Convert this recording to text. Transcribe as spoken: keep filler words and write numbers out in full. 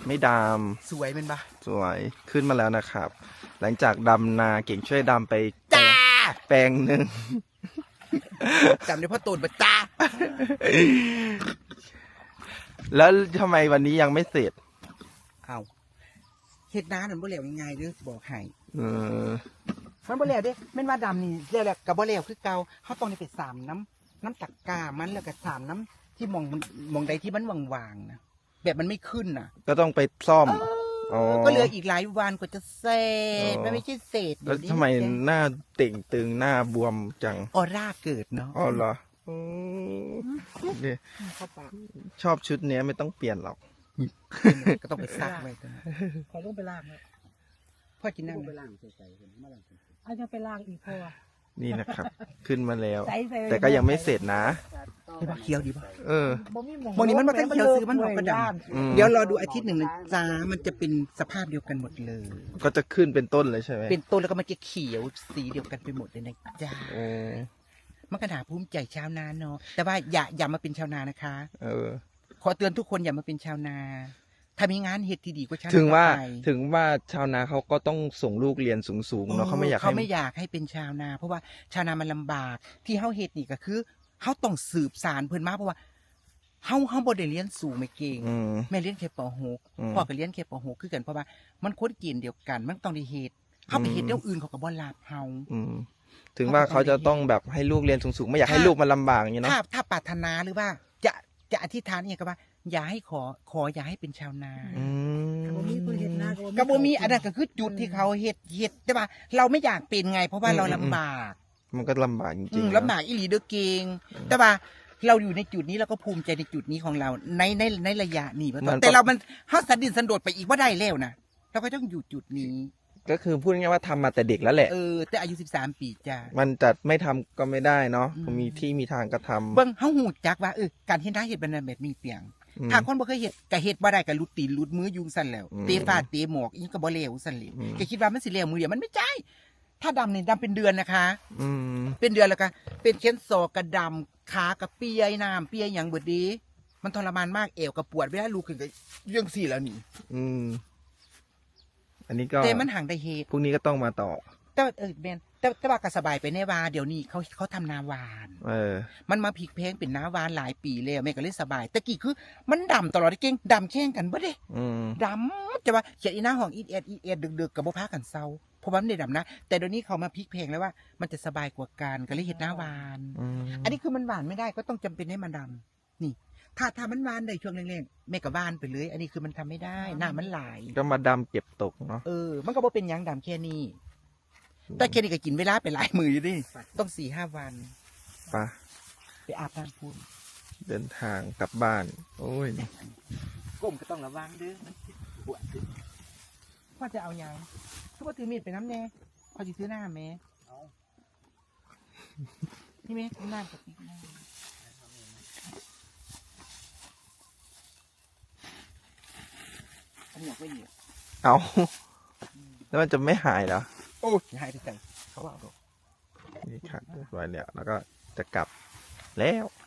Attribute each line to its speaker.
Speaker 1: ไม่ด
Speaker 2: สวยเป็นปะ
Speaker 1: ำสวยขึ้นมาแล้วนะครับ หลังจากดำนาเก่งช่วยดำไปจ้าแปลงหนึ่ง
Speaker 2: จำได้พ่อตูนปะจ้า
Speaker 1: แล้วทำไมวันนี้ยังไม่เสร็จ
Speaker 2: เอาเฮ็ดน้ามันบ่เหลวยังไงเด้อบอกให้
Speaker 1: เออ
Speaker 2: มันบ่เหลวเด้แม่นว่าดำนี่เหลวแหละกับบ่เหลวคือเก่าเขาต้องได้ไปสามน้ำน้ำตักกามันแล้วก็สามน้ำที่มองมองใดที่มันว่างๆนะแบบมันไม่ขึ้นน่ะ
Speaker 1: ก็ต้องไปซ่อม
Speaker 2: ก็เหลืออีกหลายวันกว่าจะเสร็จไม่ไม่ใช่เสร็จ
Speaker 1: แล้วทำไมหน้าเต่งตึงหน้าบวมจัง
Speaker 2: ออร่าเกิดเนาะ
Speaker 1: อ๋อเหรอชอบชุดนี้ไม่ต้องเปลี่ยนหรอก
Speaker 2: ก็ต้องไปซักไว้
Speaker 3: ขอต้องไปล่างนะ
Speaker 2: พ่อกินนั่ง
Speaker 3: ไปล่างใส่ๆเห็นมาล่างอาจจะไปล่างอีกพอ
Speaker 1: นี่นะครับขึ้นมาแล้วแต่ก็ยังไม่เสร็จนะ
Speaker 2: ใช่ปะเคี้ยวดีป่ะ
Speaker 1: เออ
Speaker 2: มองนี้มันมาตั้งเคี้ยวซื้อมันหอกกระดาษเดี๋ยวรอดูอาทิตย์หนึ่งนะจ้ามันจะเป็นสภาพเดียวกันหมดเลย
Speaker 1: ก็จะขึ้นเป็นต้นเลยใช่ไหม
Speaker 2: เป็นต้นแล้วก็มันจะเขียวสีเดียวกันไปหมดเลยนะจ้ามันกระดาษภูมิใจชาวนาเนาะแต่ว่าอย่าอย่ามาเป็นชาวนานะคะ
Speaker 1: เออ
Speaker 2: ขอเตือนทุกคนอย่ามาเป็นชาวนาถ้ามีงานเฮ็ดที่ดีก็ชาวนา
Speaker 1: ถึงว่าถึงว่าชาวนาเขาก็ต้องส่งลูกเรียนสูงๆเนาะเขาไม่อยาก
Speaker 2: เขาไม่อยากให้เป็นชาวนาเพราะว่าชาวนามันลำบากที่เฮาเฮ็ดนี่ก็คือเฮาต้องสืบสานเพิ่นมาเพราะว่าเฮาเฮาบ่ได้เรียนสูงไม่เก่งแม่เรียนแค่ป หก พ่อก็เรียนแค่ป หกคือกันเพราะว่ามันคนเกณฑ์เดียวกันมันต้องได้เฮ็ดเฮาไปเฮ็ดเรื่องอื่นเขาก็บ่รับเฮา
Speaker 1: ถึงว่าเขาจะต้องแบบให้ลูกเรียนสูงๆไม่อยากให้ลูกมันลำบากอย่างนี้เนาะ
Speaker 2: ถ้าถ้าปรารถนาหรือว่าจะจะอธิษฐานอย่างก็ว่าอย่าให้ขอขออย่าให้เป็นชาวนา
Speaker 3: กระ
Speaker 2: บ่มีอันนั้นก็คือจุดที่เขาเฮ็ดเฮ็ดแต่ว่าเราไม่อยากเป็นไงเพราะว่าเราลำบาก
Speaker 1: มันก็ลำบากจริง
Speaker 2: ๆลำบากอีหลีเด้อเก่งแต่ว่าเราอยู่ในจุดนี้เราก็ภูมิใจในจุดนี้ของเราในในในระยะนี้แต่เรามันเฮาสันดินสันโดษไปอีกว่าได้แล้วนะเราก็ต้องอยู่จุดนี้
Speaker 1: ก็คือพูดง่ายๆว่าทำมาแต่เด็กแล้วแหละ
Speaker 2: เออแต่อายุสิบสามปีจ้า
Speaker 1: มันจะไม่ทำก็ไม่ได้เนาะมีที่มีทางก็ทำ
Speaker 2: เบิ่งเฮาหูจักว่าเออการเฮ็ดนาเฮ็ดเป็นแบบมีเปียงถ้าคนบ่เคยเฮ็ดก็เฮ็ดบ่ได้ก็ลุดตีนลุดมืออยู่ซั่นแล้วเตะฟาดเตะหมอกอีก็บ่เลวซั่นเลยก็คิดว่ามันสิเลวมือเดียวมันไม่ใช่ถ้าดำนี่ดำเป็นเดือนนะคะ
Speaker 1: อืม
Speaker 2: เป็นเดือนแล้วก็เป็นเข็นศอกกระดำขากระเปียน้ำเปียหยังเบิดดีมันทรมานมากเอวก็ปวดเวลาลุกขึ้นก็เรื่องสี่แล้วนี่
Speaker 1: อืมอันนี้ก็
Speaker 2: แต่มันห่างได้เฮ็ด
Speaker 1: พรุ่งนี้ก็ต้องมาต่อ
Speaker 2: แต่เออแม่นแต่แต่ว่าก็สบายไปแน่ว่าเดี๋ยวนี้เขาเขาทำนาหวาน
Speaker 1: เออ
Speaker 2: มันมาพลิกแพงเป็นนาหวานหลายปีแล้วแม่ก็เลยสบายแต่กี้คือมันดำตลอดเก่งดำแข่งกันบ่เด้ดำจะว่าเขียดอีหน้าห้องอีเอ็ดอีเอ็ดดึกๆกับบ่พากันเซาเพราะว่ามันได้ดำนะแต่เดี๋ยวนี้เขามาพลิกแพงแล้วว่ามันจะสบายกว่ากันก็เลยเฮ็ดนาหวานอันนี้คือมันหวานไม่ได้ก็ต้องจำเป็นให้มันดำนี่ถ้าถ้ามันหวานได้ช่วงแรกๆแม่ก็หวานไปเลยอันนี้คือมันทำไม่ได้หน้ามันไหล
Speaker 1: ก็มาดำเก็บตกเนาะ
Speaker 2: เออมันก็บ่เป็นหยังดำแค่นี้แต่แค่นี้ก็กินเวลาไปหลายมืออยู่ดิต้องสี่ห้าวัน
Speaker 1: ปะ
Speaker 2: ไปอาบน้ำพูน
Speaker 1: เดินทางกลับบ้านโอ้ย
Speaker 2: ก้มก็ต้องระวังเด้อปวดพ่อจะเอายังคือพ่อถือมีดไปน้ำแน่พ่อจะซื้อหน้าแม่นี่แม่หน้ากับหน้าอันนี้ไม่ดี
Speaker 1: เอาแล้วมันจะไม่หายเหรอ
Speaker 2: โอ้ยหายไปใจเขาว่านี่
Speaker 1: ครับเรียบร้อยแล้วแล้วก็จะกลับแล้ว